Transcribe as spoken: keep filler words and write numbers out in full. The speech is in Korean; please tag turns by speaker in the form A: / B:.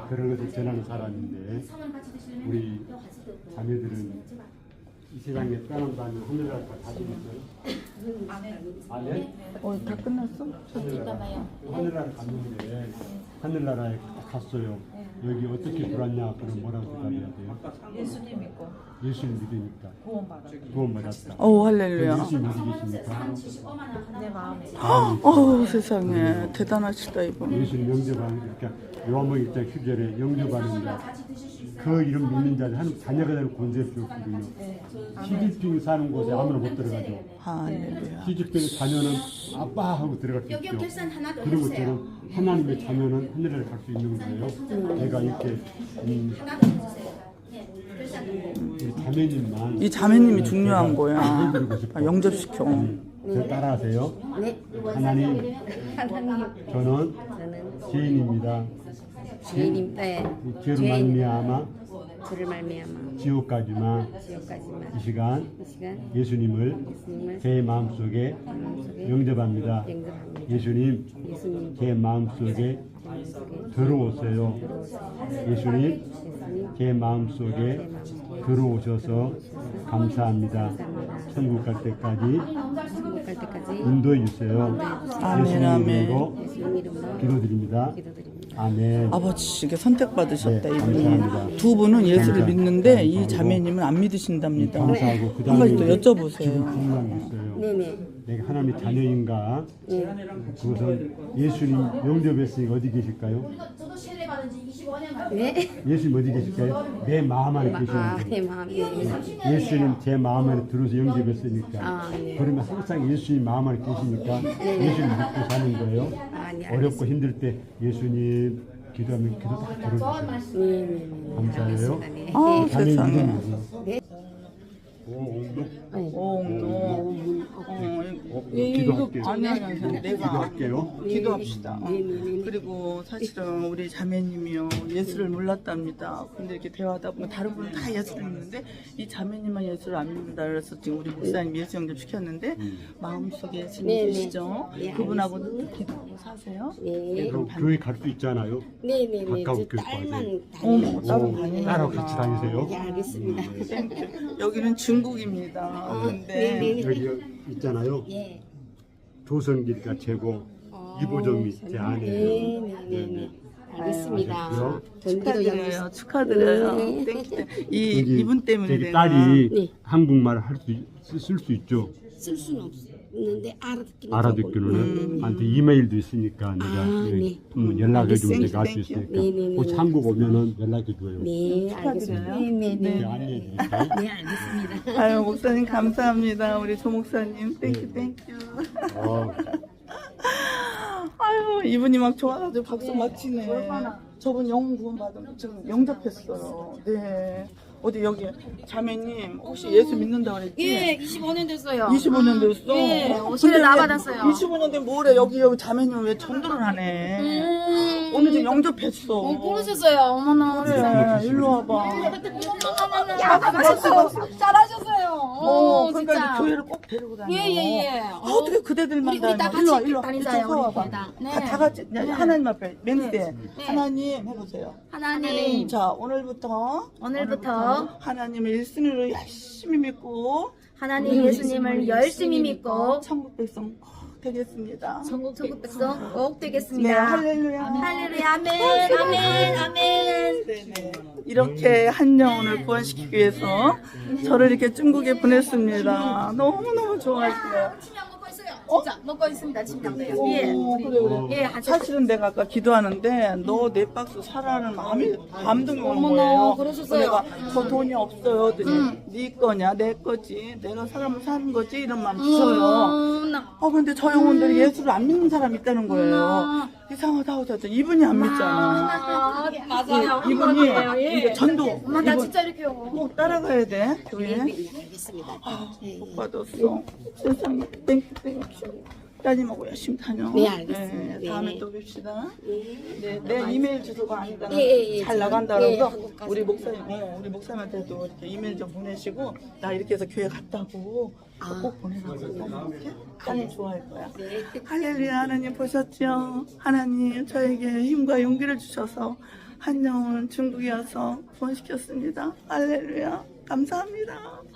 A: 그런 것을 전하는 사람인데 우리 자매들은 이 세상에 떠난다면 하늘나라 가지고 있어요? 안 해?
B: 어, 다 끝났어?
A: 하늘나라, 하늘나라 갔는데 하늘나라에 갔어요. 여기 어떻게 들어왔냐? 그럼 뭐라고 대답해야 돼요?
C: 예수님 믿고
A: 예수님 믿으니까
C: 구원받았다.
A: 구원받았다.
B: 오, 할렐루야.
A: 예수님 어디 계십니까?
C: 내 마음에
B: 어, 세상에 대단하시다 이분.
A: 예수님 영접하는 그러니까 요한복음 일 장 십 절에 영접하는 자, 그 이름 믿는 자들 하나님 자녀가 되는 권세를 주었거든요. 시집병 사는 곳에 아무나 못 들어가죠.
B: 할렐루야.
A: 시집병 자녀는 아빠 하고 들어갈 수 있죠. 그런 것처럼 하나님의 자녀는 하늘에 갈 수 있는 거예요. 제가 이렇게 음, 우리 자매님만
B: 이 자매님이 중요한
A: 제가
B: 거야.
A: 해드리고 싶어요.
B: 아, 영접시켜.
A: 저 따라하세요. 하나님,
D: 하나님,
A: 저는
D: 저는
A: 죄인입니다.
D: 죄인임, 네,
A: 죄로 말미암아
D: 죄를 말미암아
A: 지옥까지만
D: 지옥까지만
A: 이 시간
D: 이 시간
A: 예수님을
D: 예수님을
A: 제 마음속에
D: 마음속에
A: 영접합니다.
D: 영접합니다.
A: 예수님,
D: 예수님
A: 제 마음속에
D: 마음속에
A: 들어오세요. 예수님,
D: 예수님
A: 제 마음속에 들어오셔서 감사합니다. 천국 갈 때까지
D: 천국 갈 때까지
A: 인도해 주세요.
B: 아멘,
A: 예수님
B: 아멘.
A: 이름으로
D: 예수님 이름으로
A: 기도드립니다.
D: 기도드립니다.
A: 아멘.
B: 아버지께 선택받으셨다
A: 네,
B: 이분이.
A: 감사합니다.
B: 두 분은 예수를
A: 감사-
B: 믿는데 이
A: 감사하고
B: 자매님은 안 믿으신답니다.
A: 감사하고 그
B: 한 가지 또
A: 다음에 지금
B: 여쭤보세요.
A: 궁금한 게 있어요.
D: 네네.
A: 내가 하나님의 자녀인가?
D: 네.
A: 그것은 예수님 영접했으니까 어디 계실까요?
E: 저도 세례 받은 지 이십오 년 가까이.
D: 네.
A: 예수님 어디 계실까요? 내 마음 안에 계시는
D: 아,
A: 거예요.
D: 내 마음. 네.
A: 예수님 제 마음 안에 들어서 영접했으니까
D: 아, 네.
A: 그러면 항상 예수님 마음 안에 계시니까 예수님 믿고 사는 거예요.
D: 아, 네.
A: 어렵고 힘들 때 예수님 기도하면 기도 다 들어주세요.
D: 네, 네, 네.
A: 감사해요.
D: 네.
B: 아,
A: 자매
B: 세상에.
A: 이름 뭐죠?
D: 네.
A: 오옥록
B: 오옹도.
A: 어,
B: 이-
A: 기도할게요.
B: 아니 아니 아니 내가
A: 기도할게요.
B: 기도합시다. 어.
D: 네, 네, 네.
B: 그리고 사실은 우리 자매님이요 예수를 몰랐답니다. 근데 이렇게 대화하다 보면 다른 분은 다 예수를 믿는데 이 자매님만 예수를 안 믿는다 그래서 지금 우리 목사님 예수 영접 시켰는데 마음속에 예수님
D: 네, 네.
B: 계시죠?
D: 네,
B: 그분하고 기도하고 사세요.
D: 네.
A: 그럼 교회 갈 수 있잖아요.
D: 네, 네, 네.
A: 가까운
D: 저
A: 교회
D: 딸만
B: 어머
D: 다니는.
B: 따로
A: 오,
B: 다니는
A: 따로 같이 다니세요?
D: 네, 알겠습니다.
B: 땡큐. 여기는 중국입니다. 근데
D: 네, 네.
A: 여기 있잖아요.
D: 예.
A: 조선길가 제공 이보정이 제
D: 네,
A: 아내예요.
D: 네, 네, 네. 알겠습니다.
A: 아셨고요.
D: 전기도
B: 축하드려요.
D: 영접.
B: 축하드려요.
D: 네.
B: 땡큐. 이
A: 여기
B: 이분 때문에
A: 저기
B: 내가
A: 딸이
D: 네.
A: 한국말 할 수 쓸 수 있죠.
D: 쓸 수는 없는데 알아듣기는
A: 알아듣기로는
D: 조금.
A: 나한테 이메일도 있으니까 내가
D: 아,
A: 네.
D: 네.
A: 음, 연락해 주면
B: 땡큐,
A: 내가 알 수
B: 땡큐.
A: 있으니까
D: 네, 네, 네,
A: 혹시
D: 네.
A: 한국 오면은 연락해 줘요.
D: 네, 알겠습니다. 네, 네, 네.
A: 제가 안내해 드릴까요?
D: 네, 알겠습니다.
B: 아유 목사님 감사합니다. 우리 조 목사님 땡큐 땡큐.
A: 어,
B: 아유 이분이 막 좋아가지고 박수 막 치네. 저분 영혼 구원 받은 지금 영접했어요. 네. 어디 여기 자매님 혹시 예수 믿는다 그랬지?
E: 예, 이십오 년 됐어요.
B: 이십오 년 됐어?
E: 예,
B: 근데
E: 세례 나
B: 왜
E: 받았어요.
B: 이십오 년 된 뭐래 여기 여기 자매님 왜 전도를 하네?
E: 음,
B: 오늘 지금 영접했어.
E: 어, 모르셨어요. 어머나.
B: 그래 일로 와봐.
E: 야, 잘하셨어요. 잘하셨어요.
B: 어,
E: 어,
B: 그러니까
E: 진짜.
B: 이제 교회를 꼭 데리고 다녀.
E: 예, 예, 예.
B: 아, 어떻게 그대들만
E: 우리- 우리 다
B: 다녀? 일로 와,
E: 같이
B: 일로 와.
E: 다니자요,
B: 이쪽 와봐.
E: 우리 다. 네.
B: 다, 다 같이 야, 하나님 앞에 맹세.
E: 네.
B: 하나님 해보세요.
E: 하나님,
B: 자, 오늘부터
E: 오늘부터
B: 하나님을 일순위로 열심히 믿고
E: 하나님 예수님을 열심히 믿고
B: 천국 백성 꼭 되겠습니다.
E: 전국 천국 백성 꼭
B: 네,
E: 되겠습니다.
B: 할렐루야.
E: 할렐루야, 아멘, 아멘, 아멘.
B: 네네. 이렇게 한 영혼을 구원시키기 위해서 저를 이렇게 중국에 보냈습니다. 너무너무 좋아하시네요.
E: 침향 먹고 있어요. 진짜 먹고 있습니다. 침향도요. 예.
B: 오, 그래, 그래.
E: 예, 아주
B: 사실은 내가 아까 기도하는데 너 네 박스 사라는 마음이 감동이 오는
E: 어머나,
B: 거예요.
E: 그러셨어요.
B: 내가 저 돈이 없어요. 그랬더니 네 거냐 내 거지 내가 사람을 사는 거지 이런 마음 있어요.
E: 음, 나-
B: 어 근데 저 영혼들이 예수를 안 믿는 사람이 있다는 거예요. 이상하다 하더니 이분이 안 믿잖아.
E: 아, 맞아요.
B: 이분이
E: 맞아요. 예.
B: 이제 전도
E: 엄마 나
B: 이분
E: 진짜 이렇게요.
B: 꼭 따라가야 돼 교회.
D: 네, 알겠습니다.
B: 못 받았어. 세상에 땡큐 땡큐. 따님하고 열심히 다녀.
D: 네, 알겠습니다.
B: 네, 다음에
D: 네.
B: 또 뵙시다.
D: 예.
B: 네, 내 이메일 주소가 아니까
D: 예, 예, 예.
B: 잘 나간다
D: 예,
B: 그래서
D: 한국까지.
B: 우리 목사님, 어, 우리 목사님한테도 이렇게 이메일 좀 보내시고 나 이렇게 해서 교회 갔다고
D: 아.
B: 꼭 보내라고 이렇게 하나님 좋아할 거야.
D: 네.
B: 할렐루야. 하나님 보셨죠? 하나님 저에게 힘과 용기를 주셔서 한 영혼 중국에 와서 구원시켰습니다. 할렐루야. 감사합니다.